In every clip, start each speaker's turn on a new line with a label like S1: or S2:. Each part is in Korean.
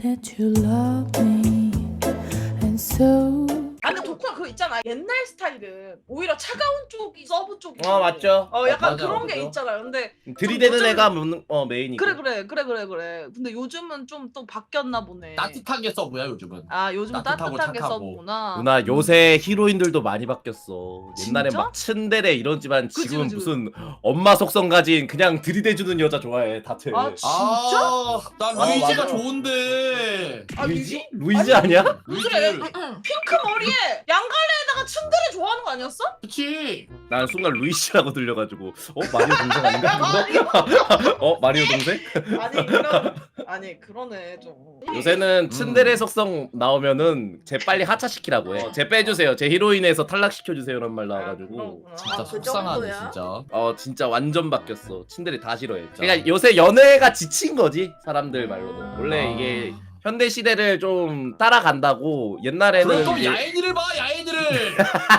S1: that you love me, and so.
S2: 아 근데 덕후야 그거 있잖아. 옛날 스타일은 오히려 차가운 쪽이 서브 쪽이.
S3: 맞죠.
S2: 약간
S4: 맞아,
S2: 그런 게
S4: 맞아.
S2: 있잖아요. 근데
S3: 들이대는
S2: 요즘-
S3: 애가 메인이고.
S2: 그래. 근데 요즘은 좀 또 바뀌었나 보네.
S4: 따뜻하게 서브야 요즘은.
S2: 아 요즘
S4: 따뜻하고
S2: 따뜻하게
S4: 착하고.
S2: 서브구나.
S3: 누나 요새 히로인들도 많이 바뀌었어. 옛날엔
S2: 진짜?
S3: 막 츤데레 이러지만
S2: 그치,
S3: 지금은
S2: 그치.
S3: 무슨 엄마 속성 가진 그냥 들이대주는 여자 좋아해. 다트.
S2: 아 진짜?
S4: 난 루이지가
S3: 맞아.
S4: 좋은데.
S2: 아,
S3: 루이지? 루이지 아니야?
S2: 그래.
S4: 루이지.
S2: 핑크 머리에 양갈래에다가 츤데레 좋아하는 거 아니었어?
S4: 그치.
S3: 난 순간 루이시라고 들려가지고 마리오 동생 아닌가? 마리오 동생?
S2: 아니 그러네 좀.
S3: 요새는 츤데레 속성 나오면은 쟤 빨리 하차시키라고 해. 쟤 빼주세요. 제 히로인에서 탈락시켜주세요란 말 나와가지고.
S4: 진짜
S5: 그
S4: 속상하네
S5: 정도야?
S4: 진짜.
S3: 진짜 완전 바뀌었어. 츤데레 다 싫어해. 그러니까 요새 연애가 지친 거지 사람들 말로는. 원래 이게 현대 시대를 좀 따라간다고. 옛날에는
S4: 그럼
S3: 이게
S4: 야인이를 봐 야인이를.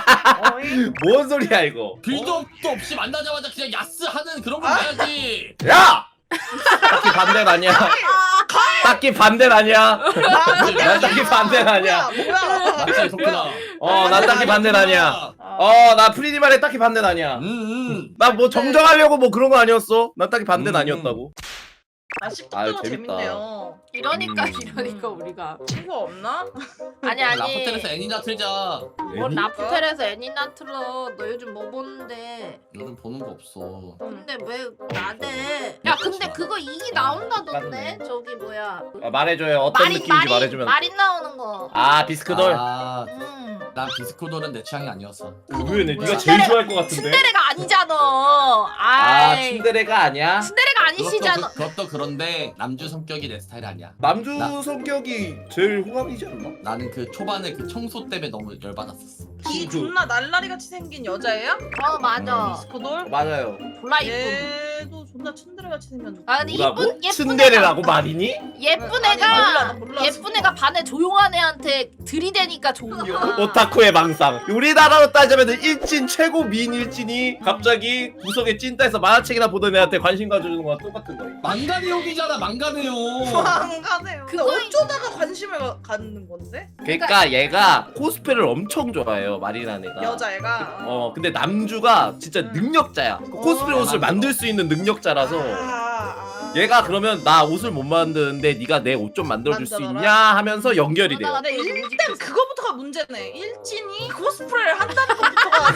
S3: 뭔 소리야 이거?
S4: 빌드업도 없이 만나자마자 그냥 야스 하는 그런 거 봐야지.
S3: 야! 딱히 반대는 아니야. 딱히 반대는 아니야. 난 딱히 반대는 아니야.
S2: 뭐야?
S4: 맞지 속구나.
S3: 난 딱히 반대는 아니야. 나 프리디 말에 딱히 반대는 아니야. 나 뭐 정정하려고 뭐 그런 거 아니었어. 난 딱히 반대는 아니었다고.
S2: 아
S3: 아유,
S2: 씹덕도
S3: 재밌다.
S2: 재밌네요.
S5: 이러니까 우리가
S2: 친구 없나?
S5: 아니
S4: 라포텔에서 애니나 틀자.
S5: 뭐 라프텔에서 애니나 틀어. 너 요즘 뭐 보는데?
S4: 요즘 보는 거 없어.
S5: 근데 왜 나대? 야 근데 그거 이기 나온다던데? 저기 뭐야?
S3: 말해줘요. 어떤 느낌인지 말해주면.
S5: 마린 나오는 거.
S3: 비스크돌.
S4: 난 비스코돌은 내 취향이 아니었어.
S3: 왜 네가 제일 좋아할 것 같은데?
S5: 츤데레가 아니잖아. 아이.
S3: 츤데레가 아니야?
S5: 츤데레가 아니시잖아.
S4: 그것도 그런데 남주 성격이 내 스타일이 아니야.
S3: 남주 성격이 제일 호감이지 않나?
S4: 나는 그 초반에 그 청소 때문에 너무 열받았었어.
S2: 이 존나 날라리 같이 생긴 여자예요?
S5: 맞아.
S2: 디스코돌?
S3: 맞아요.
S5: 졸라 이쁜.
S2: 얘도 존나 츤데레 같이 생겼는데.
S5: 아 근데
S3: 뭐라고?
S5: 예쁜
S3: 츤데레라고 말이니?
S5: 예쁜
S2: 아니,
S5: 애가
S2: 몰라.
S5: 예쁜 애가 반에 조용한 애한테 들이대니까 좋은 거야.
S3: 오타쿠의 망상. 우리나라로 따지면 일진 최고 미인 일진이 갑자기 구석에 찐따에서 만화책이나 보던 애한테 관심 가져주는 거랑 똑같은 거야.
S4: 망가 내용이잖아 망가 내용.
S2: 안 가네요. 근데
S5: 그거-
S2: 어쩌다가 관심을 갖는 건데?
S3: 그러니까 얘가 코스프레를 엄청 좋아해요. 마리나 애가.
S2: 여자애가.
S3: 근데 남주가 진짜 능력자야. 그 코스프레 옷을 만들 수 있는 능력자라서 얘가 그러면 나 옷을 못 만드는데 네가 내 옷 좀 만들어줄 수
S2: 만들어라.
S3: 있냐 하면서 연결이 돼요.
S2: 근데 일단 그거부터가 문제네. 일진이 코스프레를 한다는 것부터가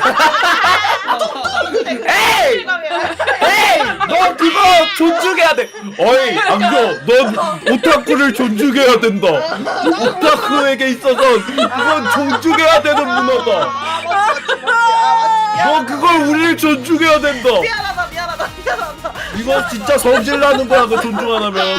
S3: 에이! 에이! 너 그거 존중해야 돼. 어이 안겨. 넌 오타쿠를 존중해야 된다. 오타쿠에게 있어서 그건 존중해야 되는 문화다. 너 그걸 우리를 존중해야 된다.
S2: 미안하다.
S3: 이거 진짜 성질 나는 거야 그 존중 안 하면.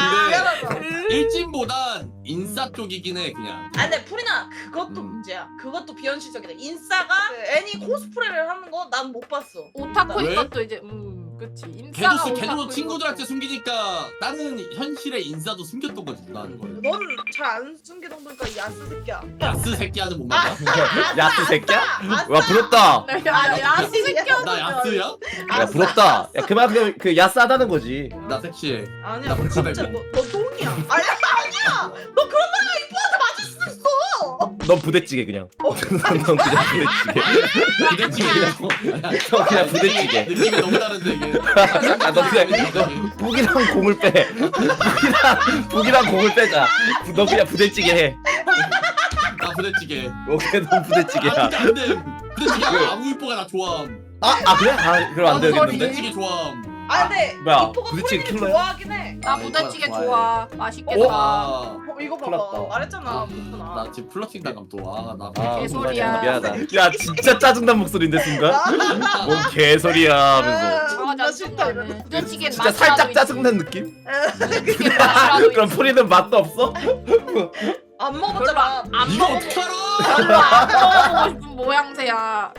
S4: 일진보단 인싸 쪽이긴 해 그냥.
S2: 아 근데 프리나 그것도 문제야. 그것도 비현실적이다. 인싸가 그 애니 코스프레를 하는 거 난 못 봤어.
S5: 오타쿠인
S4: 왜?
S5: 것도 이제 그치 인싸가
S4: 걔도
S5: 오타쿠인
S4: 친구들한테
S5: 것도.
S4: 숨기니까 나는 현실의 인싸도 숨겼던 거지 누나는 걸.
S2: 넌 잘 안 숨기던 거니까 이 야스 새끼야.
S4: 야스 새끼야는 못 만나.
S3: 야스 새끼야? 와 부럽다.
S5: 야 야스 새끼야.
S4: 나 야스야?
S3: 야 부럽다. 야 그만큼 그 야스하다는 거지.
S4: 나 섹시해.
S2: 아니야
S4: 나
S2: 진짜
S4: 불카벨.
S2: 너 똥이야. 아니야. 너 그런 말가 이뻐한테 맞을 수도 있어.
S3: 넌 부대찌개 그냥. 넌 그냥 부대찌개.
S4: 부대찌개라고.
S3: 넌 그냥 부대찌개.
S4: 느낌이 너무 다른데 이게.
S3: 너 그냥 북이랑 공을 빼. 북이랑 공을 빼자. 너 그냥 부대찌개 해.
S4: 나 부대찌개.
S3: 오케이 넌 부대찌개야.
S4: 안돼. 부대찌개 아무 이뻐가 나 좋아함.
S3: 그래? 그럼 안 되겠는데?
S4: 부대찌개 좋아함.
S2: 아 근데
S3: 뭐야,
S2: 이뻐가
S3: 부대찌개
S2: 프리는
S3: 킬러야?
S2: 좋아하긴 해.
S5: 나 부대찌개 좋아. 맛있겠다.
S4: 아,
S2: 이거
S3: 큰일
S2: 봐봐.
S3: 났다.
S2: 말했잖아. 그렇구나.
S4: 나 지금 플러팅 당감 또. 나
S5: 개소리야.
S3: 미안하다. 야 진짜 짜증난 목소리인데 순간? 뭔 개소리야 하면서.
S5: 아
S2: 싫다 이러네.
S5: 짜증나네. 부대찌개는
S3: 진짜 살짝 짜증난 느낌?
S5: 부대찌개 맛이라도
S3: 그럼 프리는 맛도 없어?
S2: 안 먹었잖아.
S5: 안
S4: 이거
S5: 먹어.
S4: 어떡하라?
S5: 별로 안 먹어보고 싶은 모양새야.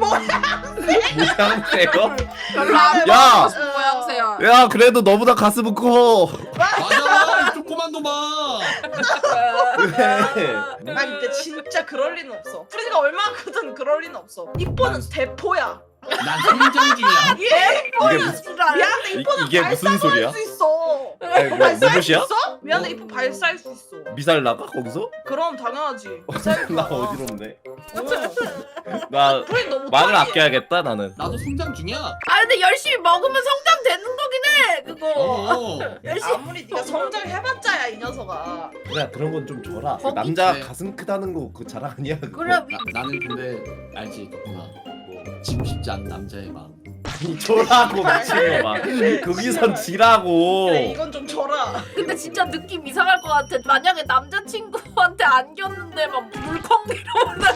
S3: 모양새요?
S5: 별로 안
S3: 야!
S5: 먹어보고 싶은 모양새야.
S3: 야 그래도 너보다 가슴은 커.
S4: 맞아. 이 조그만 놈아.
S3: 그래.
S2: 아니 근데 진짜 그럴 리는 없어. 프리가 얼마나 크든 그럴 리는 없어. 이뻐는 대포야.
S4: 난 성장 중이야.
S3: 이게 무슨
S2: 미안한데 이뻐는
S3: 이게 무슨
S2: 발사도
S3: 소리야?
S2: 할 수 있어.
S3: 아니, 뭐
S2: 발사할 수
S3: 누구시야?
S2: 있어? 미안해 이뻐 발사할 수 있어.
S3: 미사일 나가 거기서?
S2: 그럼 당연하지.
S3: 나 어지럽네.
S2: 어.
S3: 나
S2: 프린 너무
S3: 말을
S2: 못하게.
S3: 아껴야겠다 나는.
S4: 나도 성장 중이야.
S5: 아 근데 열심히 먹으면 성장되는 거긴 해 그거. 열심히.
S2: 아무리 네가 성장해봤자야 이 녀석아.
S3: 그래 그런 건 좀 줘라. 그
S5: 거기-
S3: 남자
S4: 네.
S3: 가슴 크다는 거 그 자랑 아니야? 그거.
S5: 그래 위...
S4: 나는 근데 알지 덕분아. 뭐 지고 싶지 않은 남자의 마음.
S3: 아니 줘라고 미친놈아. 거기선 지라고.
S2: 그래 이건 좀 줘라.
S5: 근데 진짜 느낌 이상할 것 같아. 만약에 남자친구한테 안겼는데 막 물컹 이러면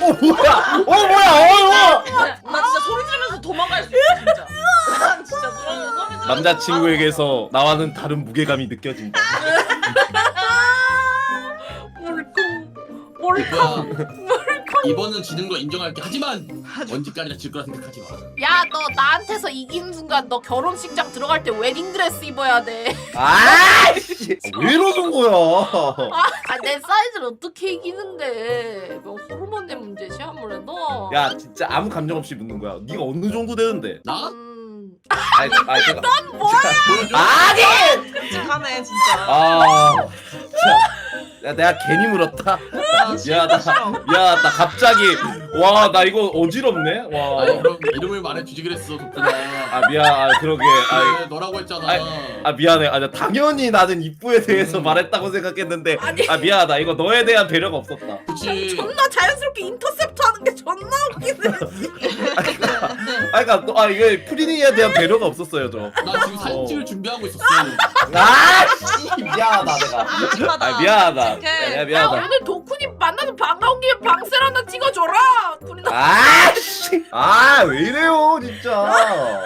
S3: 뭐야?
S2: 나 진짜 소리 지르면서 도망갈 수 있어 진짜. 난 진짜 누르면 소리 지르면서
S3: 남자친구에게서 나와는 다른 무게감이 느껴진다.
S5: 물컹.
S4: 이번은 지는 거 인정할게. 하지만 언제까지나 질 거라 생각하지 마.
S5: 야 너 나한테서 이기는 순간 너 결혼식장 들어갈 때 웨딩드레스 입어야 돼.
S3: 아이씨 왜 이러는 거야?
S5: 아 내 사이즈를 어떻게 이기는데? 너 호르몬의 문제지 아무래도.
S3: 야 진짜 아무 감정 없이 묻는 거야. 네가 어느 정도 되는데?
S4: 나?
S3: 아니 넌
S5: 뭐야?
S3: 아니!
S2: 끔찍하네 진짜.
S3: 아 진짜. 야 내가 괜히 물었다. 야 나 갑자기 와 나 이거 어지럽네.
S4: 아니
S3: 와.
S4: 그럼 이름을 말해주지 그랬어 덕분아.
S3: 아 미안. 아 그러게. 아,
S4: 그래, 너라고 했잖아.
S3: 아 미안해. 아 나 당연히 나는 입구에 대해서 말했다고 생각했는데
S5: 아니.
S3: 아 미안하다. 이거 너에 대한 배려가 없었다.
S4: 그치.
S5: 존나 자연스럽게 인터셉트 하는 게 존나 웃기네.
S3: 아 그러니까 아 이게 프리니에 대한 배려가 없었어요 저.
S4: 나 지금 사진 찍을 준비하고 있었어.
S3: 아씨 미안하다 내가.
S2: 끔찍하다.
S3: 아 미안하다.
S2: 끔찍해.
S3: 야
S5: 야
S3: 미안하다.
S5: 오늘 도쿠니 만나서 반가운 김에 방셀 하나 찍어줘라. 군이
S3: 아씨 아 왜 이래요 진짜.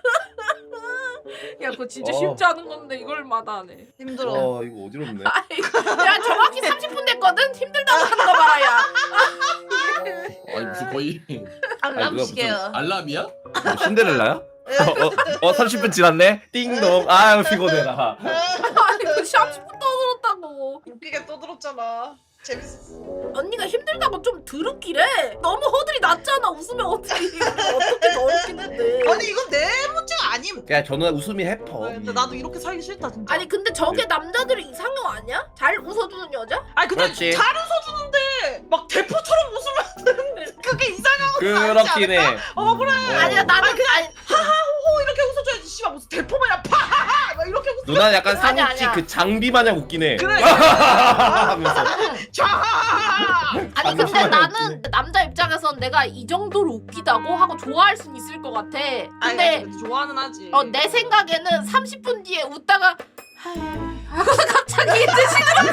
S5: 야 그거 진짜
S3: 어.
S5: 쉽지 않은 건데 이걸 마다하네.
S2: 힘들어.
S3: 와 이거 어지럽네.
S5: 야 정확히 30분 됐거든. 힘들다고 하는 거 봐라 야.
S4: 아니 무슨 거의
S2: 알람
S3: 누가
S2: 시계야.
S4: 알람이야?
S3: 뭐 신데렐라야? 30분 지났네? 띵동. 아유 피곤해라.
S5: 아니 그 30분 떠들었다고.
S2: 웃기게 떠들었잖아. 재밌었어.
S5: 언니가 힘들다고 좀 드럽기래. 너무 허들이 낮잖아. 웃으면 어떻게 더 웃기는데.
S2: 아니 이건 내 문제가 아님.
S3: 그냥 저는 웃음이 해퍼.
S2: 근데 나도 이렇게 살기 싫다 진짜.
S5: 아니 근데 저게 남자들이 이상형 아니야? 잘 웃어주는 여자?
S2: 아니 근데
S3: 그렇지.
S2: 잘 웃어주는데 막 대포처럼 웃으면 그게 이상하고
S3: 그렇긴 해.
S2: 그래.
S5: 아니야 나는 아니
S2: 하하호호 이렇게 웃어줘야지. 씨발 무슨 대포 마냥 파하하 막 이렇게 웃어.
S3: 누나는 약간
S5: 아니야,
S3: 상욱지
S5: 아니야.
S3: 그 장비 마냥 웃긴 해.
S2: 그래.
S3: 하면서.
S2: 좌하하하.
S5: 아니 근데
S3: 잠시만요.
S5: 나는 남자 입장에선 내가 이 정도로 웃기다고 하고 좋아할 순 있을 것 같아. 근데
S2: 좋아는 하지.
S5: 내 생각에는 30분 뒤에 웃다가 하고서 갑자기 이제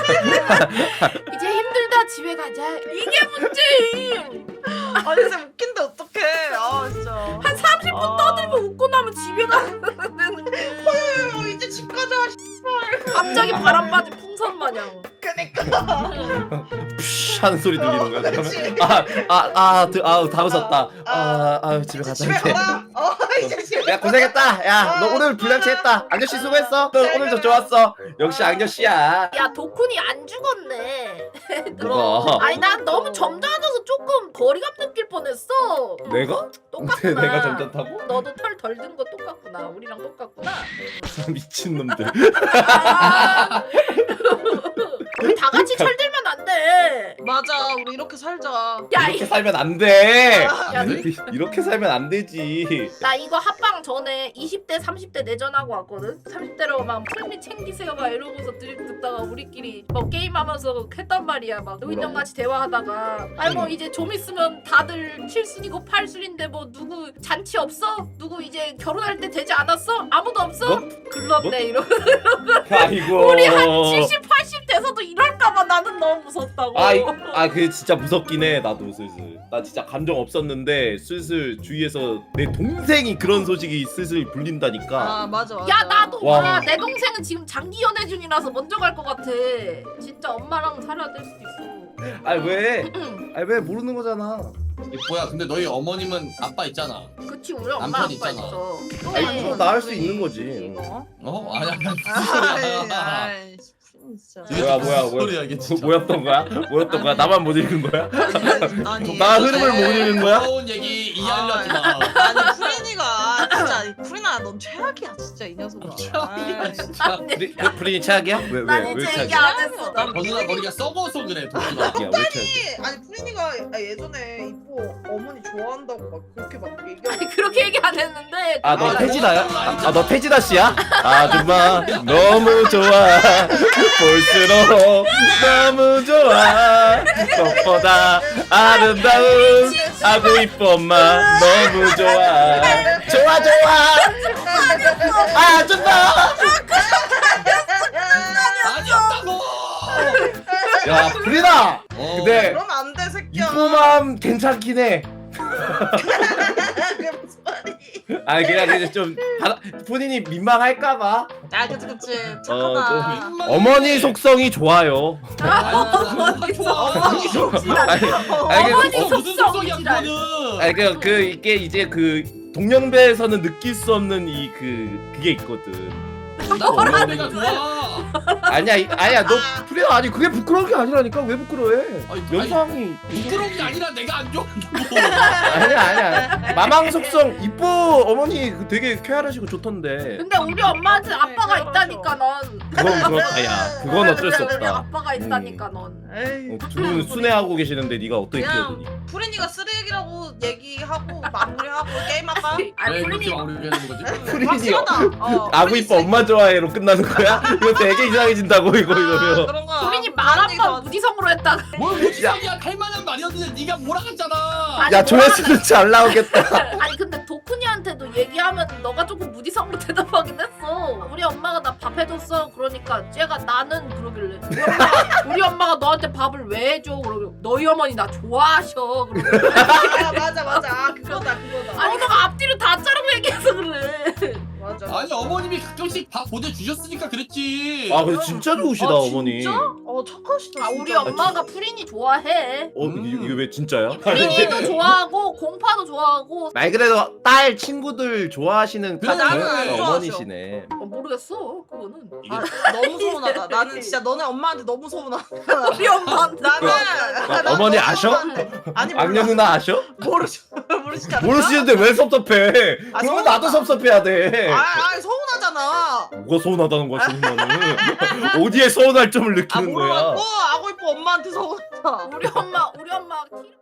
S5: 이제 힘들다 집에 가자. 이게 문제임.
S2: 아니 진짜 웃긴데 어떡해. 아 진짜.
S5: 한 30분 떠들고 웃고 나면 집에 가는데
S2: 이제 집 가자.
S5: 갑자기 바람 맞은 풍선 마냥.
S2: 그니까.
S3: 푸쉬 하는 소리 들리는 거야.
S2: 그렇지.
S3: 그러면 다 웃었다. 집에 가자.
S2: 집에
S3: 이제.
S2: 가라. 이제 집에.
S3: 야 고생했다. 야 너 오늘 불량치 했다. 악녀씨 수고했어. 너 오늘도 좋았어. 역시 악녀씨야.
S5: 야 도쿤이 안 죽었네.
S3: 뭐가?
S5: 아니 난 너무 점잖아서 조금 거리감 느낄 뻔했어.
S3: 내가?
S5: 똑같구나.
S3: 내가 점잖다고?
S5: 너도 털 덜 든 거 똑같구나. 우리랑 똑같구나.
S3: 미친놈들.
S5: 아. 우리 다 같이 철들면 안 돼.
S2: 맞아. 우리 이렇게 살자.
S5: 야,
S3: 이렇게 살면 안 돼.
S5: 야,
S3: 이렇게 살면 안 되지.
S5: 나 이거 합방 전에 20대, 30대 내전하고 왔거든. 30대로 막 풀미 챙기세요 막 이러고서 드립 듣다가 우리끼리 뭐 게임하면서 했단 말이야. 막 노인정같이 대화하다가 아니 뭐 이제 좀 있으면 다들 7순이고 8순인데 뭐 누구 잔치 없어? 누구 이제 결혼할 때 되지 않았어? 아무도 없어?
S3: 뭐?
S5: 글렀네
S3: 뭐?
S5: 이러고
S3: 아이고.
S5: 우리 한 70, 80 돼서도 이럴까봐 나는 너무 무섭다고.
S3: 그게 진짜 무섭긴 해. 나도 슬슬. 나 진짜 감정 없었는데 슬슬 주위에서 내 동생이 그런 소식이 슬슬 불린다니까.
S2: 맞아.
S5: 야 나도
S3: 와.
S5: 와. 내 동생은 지금 장기 연애 중이라서 먼저 갈 것 같아. 진짜 엄마랑 살아야 될 수도 있어.
S3: 왜 모르는 거잖아.
S4: 뭐야 근데 너희 어머님은 아빠 있잖아.
S5: 그치 우리 엄마
S4: 남편
S5: 아빠
S4: 있잖아.
S5: 있어.
S3: 아니 좀 나을 수 있는 거지.
S2: 이거.
S4: 아니 무슨 소리야.
S2: 아이 진짜.
S3: 뭐야.
S4: 소리야 이게 진짜.
S3: 뭐였던 거야? 뭐였던 거야? 나만 못 읽은 거야?
S2: 아니.
S3: 나 흐름을 못 읽은 거야?
S4: 무서운 얘기 이해하려 하지 마.
S2: 아니 아니 프리나 넌 최악이야 진짜 이 녀석아.
S4: 최악이야, 진짜.
S3: 프린이 최악이야?
S5: 난
S3: 왜
S5: 이제 얘기
S3: 최악이야?
S5: 안 했어.
S2: 난
S4: 버스나 머리가 썩어서 그래 도끼가.
S3: 야, 왜 최악이야?
S2: 아니 프리니가 예전에 이뻐 어머니 좋아한다고 막 그렇게 막 얘기하고.
S5: 아니 그렇게 얘기 안 했는데.
S3: 아, 너
S2: 아,
S3: 태진아야? 아, 너 태진아 씨야? 아줌마 너무 좋아. 볼수록 너무 좋아. 꽃보다 아름다운 아구 이뻐 엄마 너무 좋아. 좋아 좋아. 아줌마.
S4: 아니었다고.
S3: 야, 프리나. 근데
S2: 그러면 안 돼 새끼야.
S3: 이뻐맘 괜찮긴 해.
S2: 그게 무슨 말이?
S3: 아니 그냥 좀 본인이 민망할까봐.
S2: 아 그치
S3: 좀
S2: 착하다.
S3: 어머니 속성이 좋아요.
S5: 어머니 속성.
S3: 아니,
S5: 어머니
S3: 그,
S4: 무슨 속성이야
S5: 속성이지랄.
S4: 그거는.
S3: 아니 그 이게 이제 그 동년배에서는 느낄 수 없는 이 그게 있거든.
S4: 나 어머니가 좋아.
S3: 아니야 너 프리나 아니 그게 부끄러운 게 아니라니까 왜 부끄러워해?
S4: 아니,
S3: 연상이
S4: 부끄러운 게 아니라 내가 안 좋아.
S3: 아니야 마망 속성 이뻐 어머니 그 되게 쾌활하시고 좋던데.
S5: 근데 우리 엄마한테 아빠가 있다니까 넌.
S3: 그건 그렇다 야 그건 어쩔 수
S5: 우리
S3: 없다.
S5: 아빠가 있다니까 넌.
S2: 에이.
S3: 두 분 순회하고 계시는데 네가 어떻게 끼어드니?
S2: 프리니가 쓰레기라고 얘기하고 마무리하고 게임할까?
S5: 아니
S4: 왜
S5: 프린이
S4: 그렇게 마무리가 되는 거지?
S3: 프린이요.
S2: 확실하다.
S3: 아구 이뻐 엄마 좋아해로 끝나는 거야? 이거 되게 이상해진다고 이거 이러면.
S2: 그런 거.
S5: 프린이 말 한 번 무지성으로 했다가.
S4: 뭘 무지성이야 할 만한 말이었는데 네가 몰아갔잖아.
S5: 아니,
S3: 야 조회수는 잘 나오겠다.
S5: 아니 근데 도쿠니한테도 얘기하면 너가 조금 무지성으로 대답하긴 했어. 우리 엄마가 나 밥 해줬어. 그러니까 쟤가 나는 그러길래 우리 엄마가 너한테 밥을 왜 해줘? 그러면 너희 어머니 나 좋아하셔. 그러고
S2: 아 맞아. 아, 그거다.
S5: 아니 너가 앞뒤를 다 자르고 얘기해서 그래.
S2: 맞아.
S4: 아니 어머님이 가끔씩 밥 보내주셨으니까 그랬지.
S3: 아 근데 진짜 좋으시다 어머니.
S2: 진짜? 착하시다.
S5: 아
S2: 진짜.
S5: 우리 엄마가 프린이 좋아해.
S3: 이게 왜 진짜야?
S5: 프린이도 좋아하고 공파도 좋아하고.
S3: 말 그대로 딸 친구들 좋아하시는
S4: 그래,
S2: 나는 안
S3: 카드
S2: 좋아하죠.
S3: 어머니시네.
S5: 모르겠어 그거는.
S2: 아, 너무 서운하다. 나는 진짜 너네 엄마한테 너무 서운하다.
S5: 우리 엄마한테.
S2: 나는
S3: 어머니
S2: 너무
S3: 아셔?
S2: 서운한데. 아니 몰라.
S3: 악녀 누나 아셔?
S2: 모르시지 않나?
S3: 모르시는데 왜 섭섭해?
S2: 아,
S3: 그러면
S2: 서운하다.
S3: 나도 섭섭해야 돼.
S2: 서운하잖아.
S3: 뭐가 서운하다는 거야 서운하는? 어디에 서운할 점을 느끼는 거야?
S2: 모르겠고 아고 이뻐 엄마한테 서운하다.
S5: 우리 엄마